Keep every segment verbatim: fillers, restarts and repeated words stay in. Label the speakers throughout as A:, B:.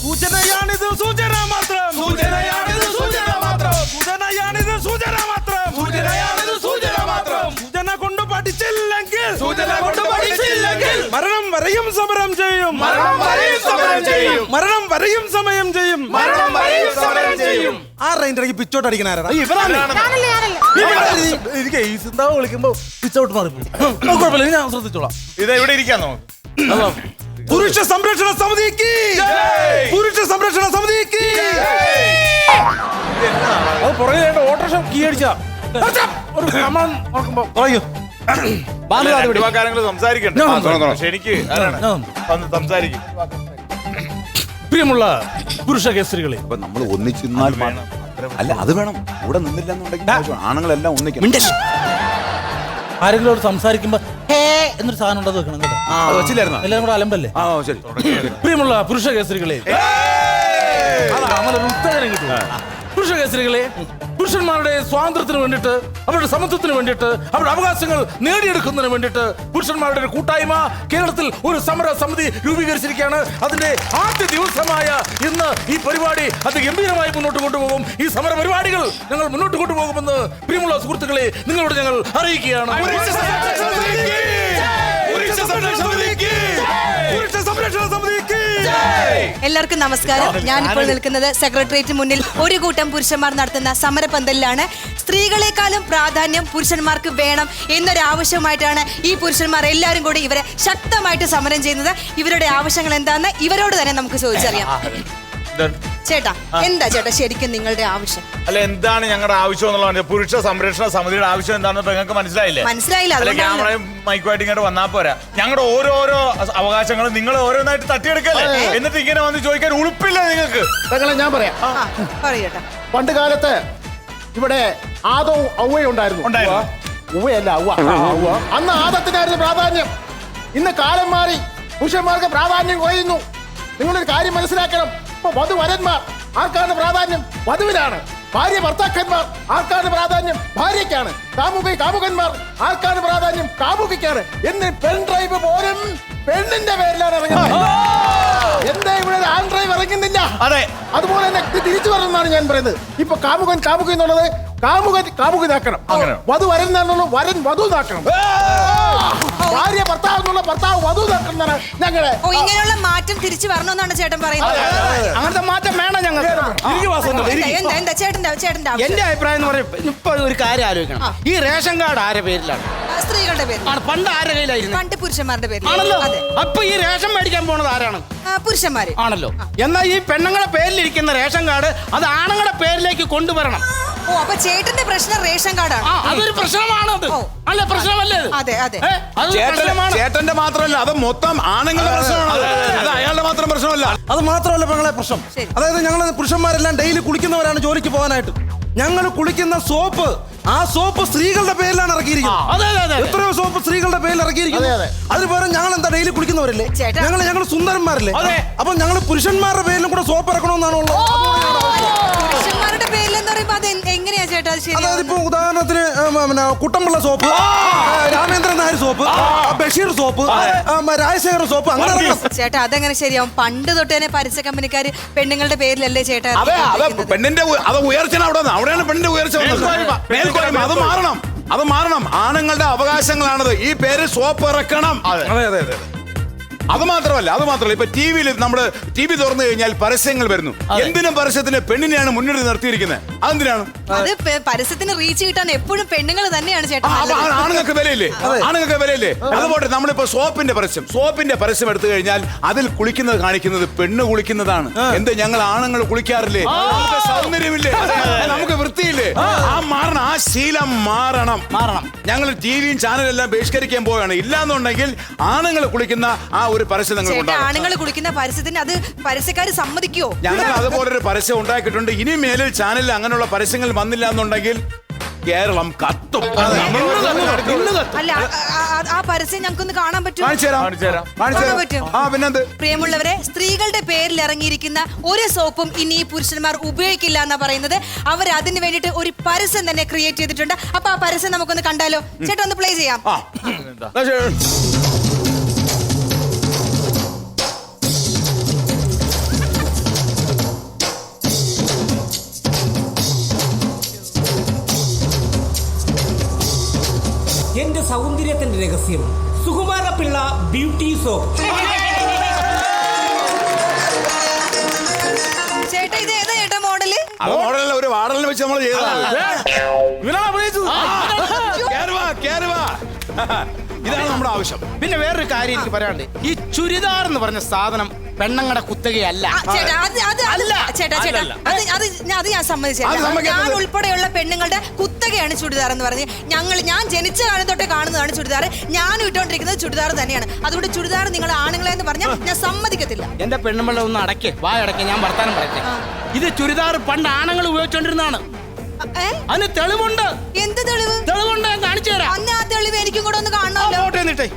A: സൂചനയാണിത് സൂചന മാത്രം
B: സൂചനയാണിത് സൂചന മാത്രം
A: സൂചനയാണിത് സൂചന മാത്രം
B: സൂചനയാണിത് സൂചന മാത്രം
A: സൂചന കൊണ്ട് പഠിച്ചില്ലെങ്കിൽ
B: സൂചന കൊണ്ട് പഠിച്ചില്ലെങ്കിൽ
A: മരണം വരെയും സമരം ചെയ്യും
B: മരണം വരെയും സമരം ചെയ്യും
A: മരണം വരെയും സമയം ചെയ്യും
B: മരണം വരെയും സമരം ചെയ്യും
A: ആരുടെ ഇടയ്ക്ക് പിച്ചോട്ട് അടിക്കണാരാ
C: എനിക്ക് ഈ സിന്താവ് വിളിക്കുമ്പോ പിച്ചൗട്ട് മാറി കുഴപ്പമില്ല ഞാൻ ശ്രദ്ധിച്ചോളാം.
B: ഇത് എവിടെ ഇരിക്കാൻ നമുക്ക്
A: പുരുഷ സംരക്ഷണ സമിതിക്ക് പുരുഷ സംരക്ഷണ സമിതിക്ക്
C: അത് പുറകെ ഓട്ടോറിക്ഷ കീ അടിച്ച ഒരു കമാൻ നോക്കുമ്പോ പറയൂ.
B: സംസാരിക്കണ്ട എനിക്ക് സംസാരിക്കും.
C: പ്രിയമുള്ള പുരുഷ കേസരികളെ,
D: അപ്പൊ നമ്മൾ ഒന്നിച്ചിരുന്നാൽ അല്ല അത് വേണം. കൂടെ നിന്നില്ല എന്നുണ്ടെങ്കിൽ ആണുങ്ങളെല്ലാം ഒന്നിക്കണം.
C: ആരെങ്കിലും സംസാരിക്കുമ്പോ ഹേ എന്നൊരു സാധനം ഉണ്ടത് വെക്കണം കേട്ടോ.
D: വെച്ചില്ലായിരുന്നു
C: എല്ലാരും കൂടെ അലമ്പല്ലേ.
D: ആ ശരി.
C: പ്രിയമുള്ള പുരുഷ കേസരികളെ, ഉത്തരം കിട്ടും. പുരുഷ കേസരികളെ, പുരുഷന്മാരുടെ സ്വാതന്ത്ര്യത്തിന് വേണ്ടിയിട്ട്, അവരുടെ സമത്വത്തിന് വേണ്ടിയിട്ട്, അവരുടെ അവകാശങ്ങൾ നേടിയെടുക്കുന്നതിന് വേണ്ടിയിട്ട് പുരുഷന്മാരുടെ ഒരു കൂട്ടായ്മ കേരളത്തിൽ ഒരു സമര സമിതി രൂപീകരിച്ചിരിക്കുകയാണ്. അതിന്റെ ആദ്യ ദിവസമായ ഇന്ന് ഈ പരിപാടി അതിഗംഭീരമായി മുന്നോട്ട് കൊണ്ടുപോകും. ഈ സമര പരിപാടികൾ ഞങ്ങൾ മുന്നോട്ട് കൊണ്ടുപോകുമെന്ന് പ്രിയമുള്ള സുഹൃത്തുക്കളെ നിങ്ങളോട് ഞങ്ങൾ അറിയിക്കുകയാണ്.
E: എല്ലാവർക്കും നമസ്കാരം. ഞാനിപ്പോൾ നിൽക്കുന്നത് സെക്രട്ടേറിയറ്റ് മുന്നിൽ ഒരു കൂട്ടം പുരുഷന്മാർ നടത്തുന്ന സമരപന്തലിലാണ്. സ്ത്രീകളെക്കാളും പ്രാധാന്യം പുരുഷന്മാർക്ക് വേണം എന്നൊരു ആവശ്യമായിട്ടാണ് ഈ പുരുഷന്മാർ എല്ലാവരും കൂടി ഇവരെ ശക്തമായിട്ട് സമരം ചെയ്യുന്നത്. ഇവരുടെ ആവശ്യങ്ങൾ എന്താണെന്ന് ഇവരോട് തന്നെ നമുക്ക് ചോദിച്ചറിയാം. ചേട്ടാ, എന്താ ചേട്ടാ ശരിക്കും നിങ്ങളുടെ ആവശ്യം?
B: അല്ല, എന്താണ് ഞങ്ങളുടെ ആവശ്യം എന്നുള്ളത്? പുരുഷ സംരക്ഷണ സമിതിയുടെ ആവശ്യം എന്താണെന്ന് നിങ്ങൾക്ക് മനസ്സിലായില്ലേ?
E: മനസ്സിലായില്ല.
B: ക്യാമറയും മൈക്കുമായിട്ട് ഇങ്ങോട്ട് വന്നാൽ പോരാ. ഞങ്ങളുടെ ഓരോരോ അവകാശങ്ങളും നിങ്ങൾ ഓരോന്നായിട്ട് തട്ടിയെടുക്കല്ലേ? എന്നിട്ട് ഇങ്ങനെ വന്ന് ചോദിക്കാൻ ഉളുപ്പില്ല നിങ്ങൾക്ക്?
F: ഞാൻ പറയാം.
E: പറയട്ടെ.
F: പണ്ട് കാലത്ത് ഇവിടെ ആദവും ഔവയും ഉണ്ടായിരുന്നു. ഉവ്വയല്ല ഔവ. അന്ന് ആദത്തിനായിരുന്നു പ്രാധാന്യം. ഇന്ന് കാലം മാറി, പുരുഷന്മാർക്ക് പ്രാധാന്യം കുറയുന്നു. നിങ്ങളൊരു കാര്യം മനസ്സിലാക്കണം. ഇപ്പൊ വധുവരന്മാർ ആർക്കാണ് പ്രാധാന്യം? വധുവിനാണ്. ഭാര്യ ഭർത്താക്കന്മാർ ആർക്കാണ് പ്രാധാന്യം? ഭാര്യയ്ക്കാണ്. കാമുകി കാമുകന്മാർ ആർക്കാണ് പ്രാധാന്യം? കാമുകിക്കാണ്. എന്ന് പെൺ ഡ്രൈവ് പോലും പെണ്ണിന്റെ പേരിലാണ് ഇറങ്ങുന്നത്. എന്താ ഇവിടെ ആൺ ഡ്രൈവ് ഇറങ്ങുന്നില്ല?
B: അതെ,
F: അതുപോലെ തന്നെ തിരിച്ചു വരണമെന്നാണ് ഞാൻ പറയുന്നത്. ഇപ്പൊ കാമുകൻ കാമുകി എന്നുള്ളത് കാമുകൻ കാമുകിനാക്കണം. വധു വരൻ എന്നുള്ളത് വരൻ വധു നാക്കണം. ഭാര്യ ഭർത്താവ് എന്നുള്ള ഭർത്താവ് വധു നാക്കണം എന്നാണ് ഞങ്ങളെ.
E: ഇങ്ങനെയുള്ള മാറ്റം തിരിച്ചു വരണമെന്നാണ് ചേട്ടൻ പറയുന്നത്.
F: അങ്ങനത്തെ മാറ്റം വേണം ഞങ്ങൾക്ക്.
E: എന്താ ചേട്ടന്റെ ചേട്ടന്റെ
G: എന്റെ അഭിപ്രായം എന്ന് പറയുന്നത്, ഇപ്പൊ ഒരു കാര്യം ആലോചിക്കണം. ഈ റേഷൻ കാർഡ് ആരുടെ പേരിലാണ്?
E: സ്ത്രീകളുടെ പേരിൽ.
G: പണ്ട് ആരുടെ കയ്യിലായിരുന്നു?
E: പണ്ട് പുരുഷന്മാരുടെ പേരിൽ.
G: ആണല്ലോ. അപ്പൊ ഈ റേഷൻ മേടിക്കാൻ പോണത് ആരാണ്?
E: പുരുഷന്മാര്
G: ആണല്ലോ. എന്നാൽ ഈ പെണ്ണുങ്ങളുടെ പേരിലിരിക്കുന്ന റേഷൻ കാർഡ് അത് ആണുങ്ങളുടെ പേരിലേക്ക് കൊണ്ടുവരണം.
E: ഓ, അപ്പൊ ചേട്ടന്റെ പ്രശ്നം റേഷൻ കാർഡാണ്.
G: അതൊരു പ്രശ്നമാണ്. അത് അല്ല പ്രശ്നമല്ലേ?
E: അതെ അതെ.
D: ചേട്ടന്റെ മാത്രമല്ല, അത് മൊത്തം ആണുങ്ങളുടെ പ്രശ്നമാണ്. അത് അയാളുടെ മാത്രം പ്രശ്നമല്ല.
A: അത് മാത്രമല്ല പെങ്ങളെ പ്രശ്നം. അതായത് ഞങ്ങൾ പുരുഷന്മാരെല്ലാം ഡെയിലി കുളിക്കുന്നവരാണ് ജോലിക്ക് പോകാനായിട്ട്. ഞങ്ങൾ കുളിക്കുന്ന സോപ്പ്, ആ സോപ്പ് സ്ത്രീകളുടെ പേരിലാണ് ഇറക്കിയിരിക്കുന്നത്. എത്രയോ സോപ്പ് സ്ത്രീകളുടെ പേരിൽ ഇറക്കിയിരിക്കുന്നത്. അതിന് പകരം ഞങ്ങൾ എന്താ ഡെയിലി കുളിക്കുന്നവരല്ലേ? ഞങ്ങൾ ഞങ്ങൾ സുന്ദരന്മാരല്ലേ? അപ്പൊ ഞങ്ങൾ പുരുഷന്മാരുടെ പേരിലും കൂടെ സോപ്പ് ഇറക്കണമെന്നാണോ?
E: പുരുഷന്മാരുടെ പേരിലെന്ന് പറയുമ്പോ അത് എങ്ങനെയാ ചേട്ടാ?
A: അതായത് ഇപ്പൊ ഉദാഹരണത്തിന് Kuttampilla soap, Ramendran Nair soap, Basheer soap, Rajasekhar soap, അങ്ങനെ.
E: ചേട്ടാ അതെങ്ങനെ ശരിയാവും? പണ്ട് തൊട്ട് തന്നെ പരസ്യ കമ്പനിക്കാര് പെണ്ണുങ്ങളുടെ പേരിലല്ലേ ചേട്ടാ?
D: പെണ്ണിന്റെ അത് ഉയർച്ച അവിടെ അവിടെയാണ് പെണ്ണിന്റെ ഉയർച്ച. അത് മാറണം, അത് മാറണം. ആണുങ്ങളുടെ അവകാശങ്ങളാണത്. ഈ പേര് സോപ്പ് ഇറക്കണം.
A: അതെ അതെ അതെ.
D: അത് മാത്രമല്ല അത് മാത്രമല്ല ഇപ്പൊ ടി വിയിൽ നമ്മുടെ ടി വി തുറന്നു കഴിഞ്ഞാൽ പരസ്യങ്ങൾ വരുന്നു. എന്തിനും പരസ്യത്തിന് പെണ്ണിനെയാണ് മുന്നിൽ നിർത്തിയിരിക്കുന്നത്. അതെന്തിനാണ്?
E: അത് പരസ്യത്തിന് റീച്ച് കിട്ടാൻ എപ്പോഴും പെണ്ണുങ്ങൾ തന്നെയാണ് ചേട്ടാ.
D: ആണുങ്ങൾക്ക് വിലയില്ലേ? ആണുങ്ങൾക്ക് വിലയില്ലേ? അതുപോലെ നമ്മളിപ്പോ സോപ്പിന്റെ പരസ്യം സോപ്പിന്റെ പരസ്യം എടുത്തു കഴിഞ്ഞാൽ അതിൽ കുളിക്കുന്നത് കാണിക്കുന്നത് പെണ്ണ് കുളിക്കുന്നതാണ്. എന്ത് ഞങ്ങൾ ആണുങ്ങൾ കുളിക്കാറില്ലേ? നമുക്ക് സൗന്ദര്യമില്ലേ? നമുക്ക് വൃത്തിയില്ലേ? ആ മാറണം. ആ ശീലം മാറണം മാറണം ഞങ്ങൾ ടി വിയും ചാനലെല്ലാം ബഹിഷ്കരിക്കാൻ പോവുകയാണ്. ഇല്ലാന്നുണ്ടെങ്കിൽ ആണുങ്ങൾ കുളിക്കുന്ന ആ ഒരു പരസ്യം നിങ്ങൾ
E: ആണുങ്ങൾ കുളിക്കുന്ന പരസ്യത്തിന് അത് പരസ്യക്കാര് സമ്മതിക്കുവോ?
D: ഞങ്ങൾ അതുപോലൊരു പരസ്യം ഉണ്ടാക്കിയിട്ടുണ്ട്. ഇനി മേലിൽ ചാനലിൽ അങ്ങനെയുള്ള പരസ്യങ്ങൾ വന്നില്ല എന്നുണ്ടെങ്കിൽ കേരളം കത്തും.
E: അല്ല, ആ പരസ്യം ഞങ്ങൾക്കൊന്ന് കാണാൻ പറ്റും?
D: പിന്നെന്ത്?
E: പ്രിയമുള്ളവരെ, സ്ത്രീകളുടെ പേരിൽ ഇറങ്ങിയിരിക്കുന്ന ഒരു സോപ്പും ഇനി പുരുഷന്മാർ ഉപയോഗിക്കില്ല എന്നാ പറയുന്നത്. അവർ അതിന് വേണ്ടിട്ട് ഒരു പരസ്യം തന്നെ ക്രിയേറ്റ് ചെയ്തിട്ടുണ്ട്. അപ്പൊ ആ പരസ്യം നമുക്കൊന്ന് കണ്ടാലോ? ചേട്ടാ ഒന്ന് പ്ലേ ചെയ്യാം.
H: സൗന്ദര്യത്തിന്റെ രഹസ്യം സുകുമാര പിള്ള ബ്യൂട്ടി സോപ്പ്.
E: ചേട്ടാ ഇത് ഏതാ ചേട്ടാ മോഡല്?
D: അത് മോഡലല്ല, ഒരു വാടലിനെ വെച്ച് നമ്മൾ ചെയ്തതാണ്.
C: ഇവനാണ് അഭിനയിച്ചത്.
D: കേറുവാ, കേറുവാ. ഇതാണ് നമ്മുടെ ആവശ്യം.
G: പിന്നെ വേറൊരു കാര്യം എനിക്ക് പറയാനുണ്ട്. ഈ ചുരിദാർ എന്ന് പറഞ്ഞ സാധനം പെണ്ണങ്ങളുടെ കുത്തകയല്ല.
E: ആ, ചേട്ടാ അത് അത് അല്ല ചേട്ടാ ചേട്ടാ അത് അത് ഞാൻ- അത് ഞാൻ സമ്മതിച്ചേട്ടാ. ഞാൻ ഉൾപ്പെടെയുള്ള പെണ്ണുങ്ങളുടെ കുത്തകയാണ് ചുടിദാർ എന്ന് പറഞ്ഞ് ഞങ്ങൾ ഞാൻ ജനിച്ച കാലം തൊട്ടേ കാണുന്നതാണ് ചുടിദാർ. ഞാൻ ഇട്ടുകൊണ്ടിരിക്കുന്നത് ചുടിദാർ തന്നെയാണ്. അതുകൊണ്ട് ചുടിദാർ നിങ്ങളുടെ ആണുങ്ങളെ എന്ന് പറഞ്ഞാൽ ഞാൻ സമ്മതിക്കത്തില്ല.
G: എന്റെ പെണ്ണുമ്പള ഒന്ന് അടയ്ക്ക്, വായ അടയ്ക്ക്, ഞാൻ വർത്താനം പറയട്ടെ. ഇത് ചുരിദാർ പണ്ട് ആണുങ്ങൾ ഉപയോഗിച്ചോണ്ടിരുന്നതാണ്.
E: ഏ?
G: അതിന് തെളിവുണ്ട്.
E: എന്ത് തെളിവ്?
G: തെളിവുണ്ട്, ഞാൻ കാണിച്ചു തരാം.
E: അന്ന് ആ തെളിവ് എനിക്കും കൂടെ ഒന്ന് കാണണമല്ലോ.
G: ഫോട്ടോ എന്നിട്ടേ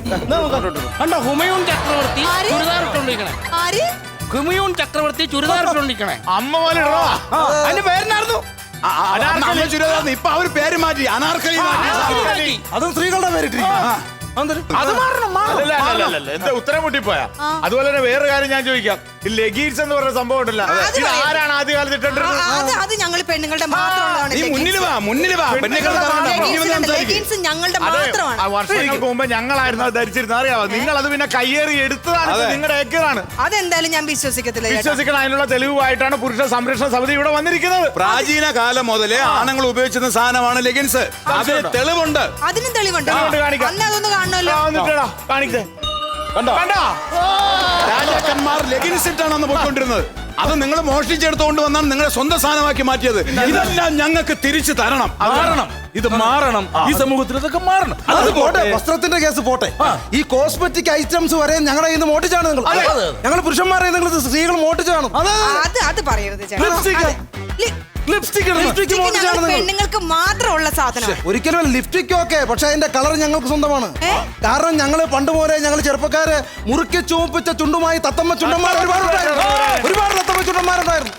G: കണ്ടോ, ഹുമയൂൺ ചക്രവർത്തി
E: ആര്?
G: ചുരിദാർ ഇട്ടോണ്ടിരിക്കണേ.
E: ആര്?
G: ഹുമയൂൺ ചക്രവർത്തി ചുരിദാർ ഇട്ടോണ്ടിരിക്കണേ.
B: അമ്മ പോലെ ഇടണോ?
G: അതിന്റെ പേരെന്നായിരുന്നു
D: ആ, ആ, അനാർക്കലി ചുരിദാർ. ഇപ്പൊ അവര് പേര് മാറ്റി, അനാർക്കലി മാറ്റി.
A: അതും സ്ത്രീകളുടെ പേരിട്ടിരിക്കും.
G: അത് മാറണം, മാറണം.
B: അല്ലല്ല, അല്ലല്ല, അല്ലല്ല. എന്താ ഉത്തരം മുട്ടിപ്പോയാ? അതുപോലെ തന്നെ വേറെ കാര്യം ഞാൻ ചോദിക്കാം. ഈ ലെഗീൻസ് എന്ന് പറയുന്ന സംഭവം ഉണ്ടല്ലോ,
E: അത്
B: ഇത്
E: പറയാം.
B: ആരാണ് ആദ്യകാലത്ത്
E: ആ,
B: ഇട്ടിട്ടുള്ളത്?
E: അത് അത് ഞങ്ങൾ പെണ്ണുങ്ങളുടെ മാത്രമുള്ളതാണ്.
D: നീ മുന്നിൽ വാ, മുന്നിൽ വാ. പെണ്ണുങ്ങൾ
E: ലെഗിൻസ് ഞങ്ങളുടെ
B: അതെ,
E: മാത്രമാണ്.
B: ആ വർഷങ്ങൾക്ക് മുമ്പ് ഞങ്ങളായിരുന്നു അത് ധരിച്ചിരുന്നത്, അറിയാമോ? നിങ്ങൾ അത് പിന്നെ കയ്യേറി എടുത്തതാണ്, ഇത് നിങ്ങളുടെ ഏക്കറാണ്.
E: അതെന്തായാലും ഞാൻ വിശ്വസിക്കത്തില്ല ചേട്ടാ.
B: വിശ്വസിക്കണം. അതിനുള്ള തെളിവുമായിട്ടാണ് പുരുഷ സംരക്ഷണ സമിതി ഇവിടെ വന്നിരിക്കുന്നത്.
D: പ്രാചീന കാലം മുതലേ ആണുങ്ങൾ ഉപയോഗിച്ചിരുന്ന സാധനമാണ് ലെഗിൻസ്. അതിന് തെളിവുണ്ട്.
E: അതിനും തെളിവുണ്ട്.
B: തെളിവുണ്ട്, കാണിക്കാം.
E: അന്ന് അതൊന്ന് കാണണമല്ലോ.
B: ആ, വന്നിട്ടെടാ, കാണിക്കേ.
D: കണ്ടോ?
B: കണ്ടോ?
D: രാജാക്കന്മാർ ലെഗിൻസ് ഇട്ടാണ് അന്ന് പോയിക്കൊണ്ടിരുന്നത്. അത് നിങ്ങൾ മോഷ്ടിച്ചെടുത്തുകൊണ്ട് വന്നാണ് നിങ്ങളുടെ സ്വന്തം സാധനമാക്കി മാറ്റിയത്. ഇതെല്ലാം ഞങ്ങൾക്ക് തിരിച്ചു തരണം.
C: മാറണം, ഇത് മാറണം. ഈ സമൂഹത്തിൽ ഇതൊക്കെ മാറണം.
A: അത് പോട്ടെ, വസ്ത്രത്തിന്റെ കേസ് പോട്ടെ. ഈ കോസ്മെറ്റിക് ഐറ്റംസ് വരെ ഞങ്ങളുടെ കയ്യിൽ നിന്ന് മോട്ടിച്ചാണ് നിങ്ങൾ. ഞങ്ങൾ പുരുഷന്മാരെ നിങ്ങൾ സ്ത്രീകൾ മോട്ടിച്ച് കാണും.
E: അത് അത് പറയരുത് ചേട്ടാ.
C: ലിപ്സ്റ്റിക്.
E: അതെ. ലി-
C: ലിപ്സ്റ്റിക്
A: ലിപ്സ്റ്റിക്
E: ലിപ്സ്റ്റിക്
A: മോട്ടിച്ചാണ്
E: ഞങ്ങൾ
A: നിങ്ങൾ.
E: പെണ്ണുങ്ങൾക്ക് മാത്രമുള്ള സാധനം.
A: ഒരിക്കലും ലിപ്സ്റ്റിക് ഒക്കെ, പക്ഷെ അതിന്റെ കളർ ഞങ്ങൾക്ക് സ്വന്തമാണ്.
E: ഏ?
A: കാരണം ഞങ്ങള് പണ്ട് പോലെ ഞങ്ങൾ ചെറുപ്പക്കാര് മുറുക്കി ചുവപ്പിച്ച ചുണ്ടുമായി തത്തമ്മ ചുണ്ടന്മാർ ഒരുപാടുണ്ടായിരുന്നു. ഒരുപാട് തത്തമ്മ ചുണ്ടന്മാരുണ്ടായിരുന്നു.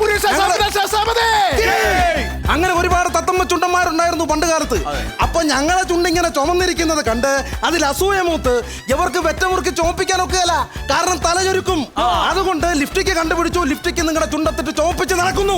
A: ഞങ്ങള് അങ്ങനെ ഒരുപാട് തത്തമ്മ ചുണ്ടന്മാരുണ്ടായിരുന്നു പണ്ട് കാലത്ത്. അപ്പൊ ഞങ്ങളെ ചുണ്ടിങ്ങനെ ചുമന്നിരിക്കുന്നത് കണ്ട് അതിൽ അസൂയ മൂത്ത് ഇവർക്ക് വെറ്റമുറുക്കി ചോപ്പിക്കാനൊക്കെയല്ല, കാരണം തലചൊരുക്കും. അതുകൊണ്ട് ലിപ്സ്റ്റിക് കണ്ടുപിടിച്ചു. ലിപ്സ്റ്റിക് നിങ്ങളുടെ ചുണ്ടത്തിട്ട് ചോപ്പിച്ച് നടക്കുന്നു.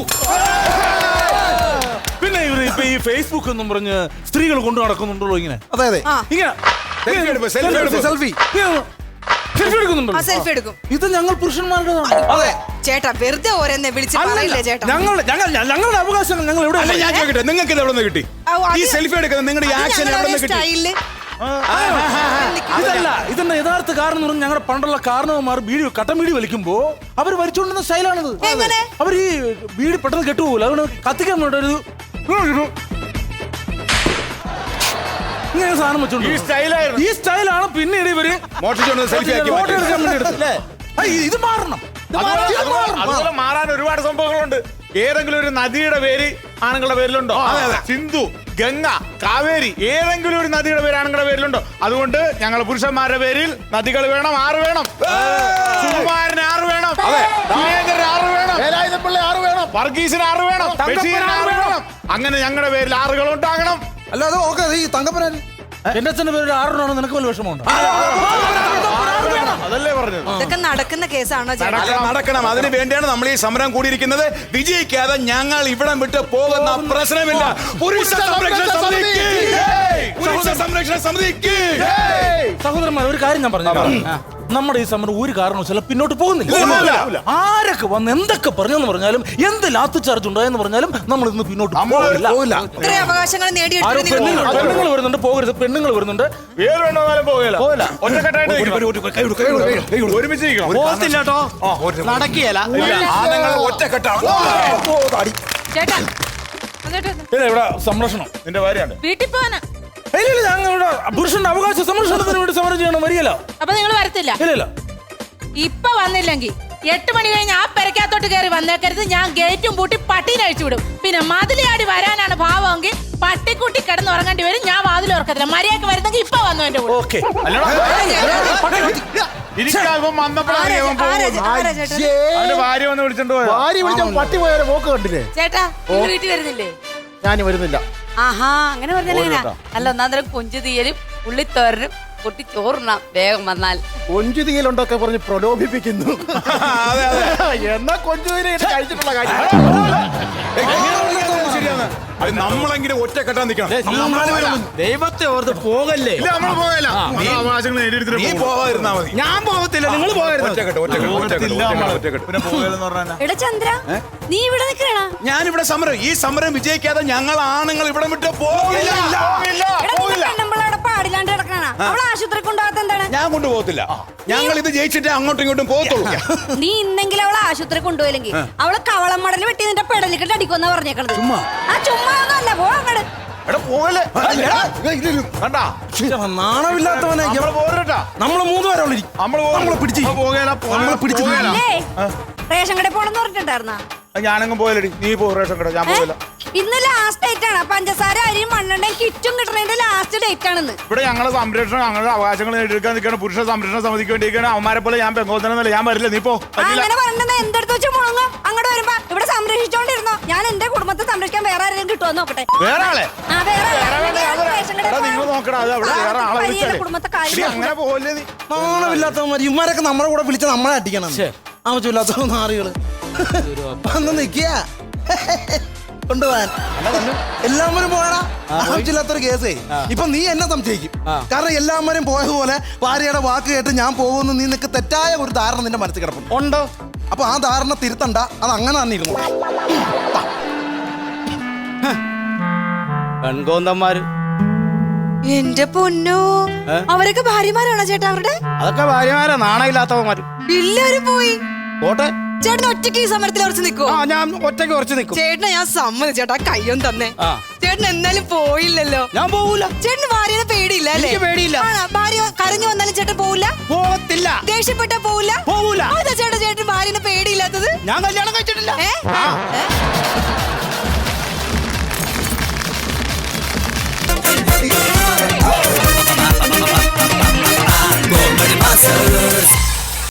C: പിന്നെ ഇവര് ഇപ്പൊ ഈ ഫേസ്ബുക്ക് എന്നും പറഞ്ഞ് സ്ത്രീകൾ കൊണ്ടു നടക്കുന്നുണ്ടല്ലോ ഇങ്ങനെ
A: അതെ അതെ
E: ആ,
C: ഇങ്ങനെ
D: സെൽഫി എടുപ്പ്, സെൽഫി എടുപ്പ്.
A: സെൽഫി.
C: സെൽഫി എടുക്കുന്നുണ്ടോ?
E: ആ സെൽഫി എടുക്കും.
C: ഇത് ഞങ്ങൾ പുരുഷന്മാരുടേതാണ്.
A: അതെ.
E: ചേട്ടാ വെറുതെ ഓരോന്നെ വിളിച്ച് പറയില്ലേ ചേട്ടാ.
C: ഞങ്ങൾ ഞങ്ങൾ ഞങ്ങളുടെ അവകാശങ്ങൾ ഞങ്ങൾ എവിടെ
D: അല്ല, ഞാൻ ചോദിക്കട്ടെ, നിങ്ങൾക്ക് ഇത് എവിടെ നിന്ന് കിട്ടി?
E: ആ, അത്
D: ഈ സെൽഫി എടുക്കുന്നത് നിങ്ങളുടെ ഈ
E: അത്
D: ആക്ഷൻ
E: ഞങ്ങളുടെ
D: എവിടെ നിന്ന് കിട്ടി?
E: സ്റ്റൈലില്
C: ഇതല്ല, ഇതിന്റെ യഥാർത്ഥ കാരണം എന്ന് പറഞ്ഞാൽ ഞങ്ങളുടെ പണ്ടുള്ള കാരണവന്മാർ ബീഡി കട്ടൻ ബീഡി വലിക്കുമ്പോ അവർ വലിച്ചുകൊണ്ടുന്ന സ്റ്റൈലാണിത്.
E: എങ്ങനെ?
C: അവർ ഈ ബീഡി പെട്ടെന്ന് കെട്ടുപോകില്ല, അതുകൊണ്ട് കത്തിക്കാൻ വേണ്ടി ഒരു ഇങ്ങനെ സാധനം വെച്ചോണ്ട്
B: ഈ സ്റ്റൈലായിരുന്നു.
C: ഈ സ്റ്റൈലാണ് പിന്നീട് ഇവര്
D: മോഷ്ടിച്ചുകൊണ്ട് സെൽഫി ആക്കി
C: ഫോട്ടോ
D: മാറ്റി.
C: എടുക്കാൻ വേണ്ടി എടുത്തത്. ആ, ഇത് മാറണം. ഇത്
B: അതുപോലെ-
C: മാറണം. ഇത്
B: അതുപോലെ-
C: മാറണം.
B: അതുപോലെ മാറാൻ ഒരുപാട് സംഭവങ്ങളുണ്ട്. ഏതെങ്കിലും ഒരു നദിയുടെ പേര് ആണുങ്ങളുടെ പേരിലുണ്ടോ? സിന്ധു, ഗംഗ, കാവേരി, ഏതെങ്കിലും ഒരു നദിയുടെ പേര് ആണുങ്ങളുടെ പേരിലുണ്ടോ? അതുകൊണ്ട് ഞങ്ങൾ പുരുഷന്മാരുടെ പേരിൽ നദികൾ വേണം, ആറ് വേണം. സുകുമാരന് ആറ് വേണം, സുരേന്ദ്രന് ആറ് വേണം,
F: വേലായുധപ്പിള്ള ആറ് വേണം.
B: വർഗീസിന് ആറ് വേണം, ബഷീറിന് ആറ് വേണം. അങ്ങനെ ഞങ്ങളുടെ പേരിൽ ആറുകൾ ഉണ്ടാകണം.
A: അല്ല അത് ഓക്കെ. ഈ തങ്കപ്പനാര്
C: എന്റെ അച്ഛന്റെ പേര് ആറെണ്ണമാണ്. നിനക്ക് വല്ല വിഷമമുണ്ടോ?
B: അതല്ലേ പറഞ്ഞത്.
E: ഇതൊക്കെ നടക്കുന്ന കേസാണോ ചേട്ടാ?
D: അല്ല, നടക്കണം. അതിന് വേണ്ടിയാണ് നമ്മൾ ഈ സമരം കൂടിയിരിക്കുന്നത്. വിജയിക്കാതെ ഞങ്ങൾ ഇവിടം വിട്ട് പോകുന്ന പ്രശ്നമില്ല. പുരുഷ സംരക്ഷണ സമിതിക്ക് പുരുഷ സംരക്ഷണ സമിതിക്ക്
C: സഹോദരന്മാർ, ഒരു കാര്യം ഞാൻ പറഞ്ഞു, നമ്മുടെ ഈ സമരം ഒരു കാരണവശാലും പിന്നോട്ട് പോകുന്നില്ല. ആരൊക്കെ വന്ന് എന്തൊക്കെ പറഞ്ഞെന്ന് പറഞ്ഞാലും, എന്ത് ലാത്തി ചാർജ് ഉണ്ടായെന്ന് പറഞ്ഞാലും നമ്മൾ ഇന്ന് പിന്നോട്ട് പോകില്ല.
E: ഇത്രയും അവകാശങ്ങൾ നേടിയെടുത്തിട്ട് നിങ്ങൾ
C: പെണ്ണുങ്ങൾ പെണ്ണുങ്ങൾ വരുന്നുണ്ട്, പോകരുത്. പെണ്ണുങ്ങൾ വരുന്നുണ്ട്.
B: ഏത് വേണമെന്നാലും പോകില്ല. ഒറ്റക്കെട്ടായിട്ട് ഒരുമിച്ച് നിൽക്കണം.
G: പോകത്തില്ല കേട്ടോ, നടക്കുകയല്ല.
D: ആണുങ്ങൾ ഒറ്റക്കെട്ടാണ്.
E: ചേട്ടാ എന്നിട്ട്
C: പിന്നെ ഇവിടെ സംരക്ഷണം
B: നിന്റെ ഭാര്യയാണ്.
E: വീട്ടിൽ പോവാനാ.
C: ഇല്ല ഇല്ല, ഞങ്ങൾ ഇവിടെ പുരുഷന്റെ അവകാശ സംരക്ഷണത്തിന് വേണ്ടി സമരം ചെയ്യണം. വരികയല്ല.
E: അപ്പൊ നിങ്ങൾ വരത്തില്ല?
C: ഇല്ല ഇല്ല.
E: ഇപ്പൊ വന്നില്ലെങ്കിൽ എട്ട് മണി കഴിഞ്ഞ് ആ പെരക്കകത്തോട്ട് കയറി വന്നേക്കരുത്. ഞാൻ ഗേറ്റും പൂട്ടി പട്ടീനെ അഴിച്ചു വിടും. പിന്നെ മതിലിയാടി വരാനാണ് ഭാവമെങ്കിൽ പട്ടിക്കുട്ടി കിടന്ന് ഉറങ്ങേണ്ടി വരും. ഞാൻ വാതിൽ ഉറക്കത്തില്ല. മര്യാദക്ക് വരുന്നെങ്കിൽ ഇപ്പൊ വന്നു എന്റെ കൂടെ.
C: ഓക്കെ.
B: ഇരിക്കാൻ വന്നപ്പോഴാണ് അവൻ പോകുന്നത്. അവന്റെ ഭാര്യ വന്ന് വിളിച്ചോണ്ട് പോയത്.
F: ഭാര്യ വിളിച്ച പട്ടി പോയാലും പോക്ക് കണ്ടില്ലേ?
E: ചേട്ടാ നിങ്ങൾ വീട്ടിൽ വരുന്നില്ലേ?
F: ഞാൻ വരുന്നില്ല.
I: ആഹാ, അങ്ങനെ പറഞ്ഞാ അല്ല, ഒന്നാന്തരം കൊഞ്ചു തീയലും ഉള്ളിത്തോരനും പൊട്ടി ചോറുണ്ണാം വേഗം വന്നാൽ.
F: കൊഞ്ചുതീയലുണ്ടൊക്കെ പറഞ്ഞ് പ്രലോഭിപ്പിക്കുന്നു. എന്നാ കൊഞ്ചുതീയ കഴിച്ചിട്ടുള്ള കാര്യം
D: ശരിയാണ്. അത് നമ്മളെങ്കിലും ഒറ്റക്കെട്ടാൻ നിൽക്കണം.
A: നമ്മൾ നാല് പേരും
G: ദൈവത്തെ ഓർത്ത് പോകല്ലേ.
B: ഇല്ല നമ്മൾ പോകല അവകാശങ്ങൾ നേടിയെടുത്തിട്ട്
D: നീ പോവാതിരുന്നാ മതി.
G: ഞാൻ പോകത്തില്ല, നിങ്ങൾ പോകരുത്.
D: ഒറ്റക്കെട്ട് ഒറ്റക്കെട്ട് ഒറ്റക്കെട്ട് ഒറ്റക്കെട്ട് ഒറ്റക്കെട്ട്.
B: പിന്നെ പോകലെന്ന് പറഞ്ഞാൽ
E: എടാ ചന്ദ്ര നീ ഇവിടെ നിൽക്കണ
D: ഞാനിവിടെ സമരം ഈ സമരം വിജയിക്കാതെ ഞങ്ങൾ ആണുങ്ങൾ ഇവിടെ വിട്ട് പോകില്ല.
E: പാടില്ലാണ്ട് കിടക്കണ അവളെ ആശുപത്രി കൊണ്ടുപോകാത്ത എന്താണ്?
D: ഞാൻ കൊണ്ടുപോകത്തില്ല. ഞങ്ങൾ ഇത് ജയിച്ചിട്ടേ അങ്ങോട്ടും ഇങ്ങോട്ടും പോകത്തുള്ളൂ.
E: നീ ഇന്നെങ്കിലും അവളെ ആശുപത്രി കൊണ്ടുപോയില്ലെങ്കിൽ അവളെ കവളം മടൽ വെട്ടി നിന്റെ പെടലിക്കിട്ട് അടിക്കുമെന്നാ പറഞ്ഞേക്കണത്. ആ ചുമ്മാ ഒന്നല്ല, പോ അങ്ങട്.
B: എടാ പോകല്ലേ കണ്ടാ
A: നാണമില്ലാത്തവനെ
B: നമ്മള് പോരട്ടാ
A: നമ്മള് മൂന്ന് പേരെ ഉള്ളി
B: നമ്മള്
A: നമ്മളെ പിടിച്ച്
B: പോകല
A: നമ്മളെ പിടിച്ച്
E: അല്ലേ റേഷൻ കടയിൽ പോണെന്ന് പറഞ്ഞിട്ടുണ്ടായിരുന്നാ?
B: ഞാനെങ്ങും പോയലടി, നീ പോ റേഷൻ കട, ഞാൻ പോകില്ല.
E: ഇന്ന് ലാസ്റ്റ് ഡേറ്റ് ആണ്. പഞ്ചസാര അരിയും മണ്ണെണ്ണയും കിറ്റും കിട്ടണതിന്റെ ലാസ്റ്റ് ഡേറ്റ് ആണെന്ന്.
B: ഇവിടെ ഞങ്ങളെ സംരക്ഷണം ഞങ്ങളുടെ അവകാശങ്ങൾ നേടിയെടുക്കാൻ നിൽക്കുകയാണ്. പുരുഷ സംരക്ഷണ സമിതിക്ക് വേണ്ടിയിരിക്കുകയാണ്. അവന്മാരെ പോലെ ഞാൻ പെങ്കോത്തനല്ല, ഞാൻ വരില്ല. നീ പോ.
E: അങ്ങനെ പറഞ്ഞത് എന്തെടുത്ത് വെച്ച് മുളങ്ങും. അങ്ങോട്ട് വരുമ്പോ ഇവിടെ സംരക്ഷിച്ചോണ്ടിരുന്നോ. ഞാൻ എന്റെ കുടുംബത്തെ സംരക്ഷിക്കാൻ വേറെ ആരെങ്കിലും കിട്ടുമോ നോക്കട്ടെ.
B: വേറെ ആളെ
E: ആ, വേറെ ആളെ. ഞാൻ റേഷൻ കടയിൽ
B: എടാ, നിങ്ങൾ നോക്കടാ, അത് അവിടെ വേറെ ആളെ
E: പോയി
B: വിളിച്ചാലേ.
E: എന്റെ കുടുംബത്തെ
B: എടി,
E: കാര്യം
B: അങ്ങനെ പോകല്ലേ നീ.
A: നാണമില്ലാത്തവന്മാർ ഇവന്മാരൊക്കെ നമ്മുടെ കൂടെ വിളിച്ച് നമ്മളെ അടിക്കണം. ആവശ്യമില്ലാത്ത നാറികള് വന്ന് നിക്കുക കൊണ്ടുപോകാൻ. എല്ലാവരും പോകണ ആവശ്യമില്ലാത്തൊരു കേസേ. ഇപ്പൊ നീ എന്നെ സംശയിക്കും. കാരണം എല്ലാവരും പോയതുപോലെ ഭാര്യയുടെ വാക്ക് കേട്ട് ഞാൻ പോകുമെന്ന് നീ നിനക്ക് തെറ്റായ ഒരു ധാരണ നിന്റെ മനസ്സിൽ കിടപ്പുണ്ട്.
G: ഉണ്ടോ?
A: അപ്പൊ ആ ധാരണ തിരുത്തണ്ട, അത് അങ്ങനെ തന്നെ ഇരുന്നു.
G: പെൺകോന്തന്മാര്
E: എന്റെ പൊന്നോ, അവരൊക്കെ ഭാര്യമാരാണോ ചേട്ടാ അവരുടെ?
G: അതൊക്കെ ഭാര്യമാരാ, നാണയില്ലാത്തവന്മാര്.
E: എല്ലാവരും പോയി.
G: പോട്ടെ,
E: ചേട്ടൻ ഒറ്റയ്ക്ക് ഈ സമരത്തിൽ ഉറച്ചു നിൽക്കോ?
G: ആ ഞാൻ ഒറ്റയ്ക്ക് കുറച്ച് നിൽക്കും.
E: ചേട്ടനെ ഞാൻ സമ്മതിച്ചു ചേട്ടാ, കയ്യൊന്നും തന്നെ.
G: ആ.
E: ചേട്ടൻ എന്നാലും പോയില്ലല്ലോ.
G: ഞാൻ പോകൂല.
E: ചേട്ടന് ഭാര്യനെ പേടിയില്ല അല്ലേ?
G: എനിക്ക് പേടിയില്ല.
E: ആണോ? ഭാര്യ കരഞ്ഞു വന്നാലും ചേട്ടൻ പോവില്ല?
G: പോകത്തില്ല.
E: ദേഷ്യപ്പെട്ടാ പോവില്ല?
G: പോകൂല.
E: അതാ ചേട്ടാ ചേട്ടൻ ഭാര്യനെ പേടിയില്ലാത്തത്?
G: ഞാൻ കല്യാണം കഴിച്ചിട്ടില്ല.
E: ഏ? ഏ?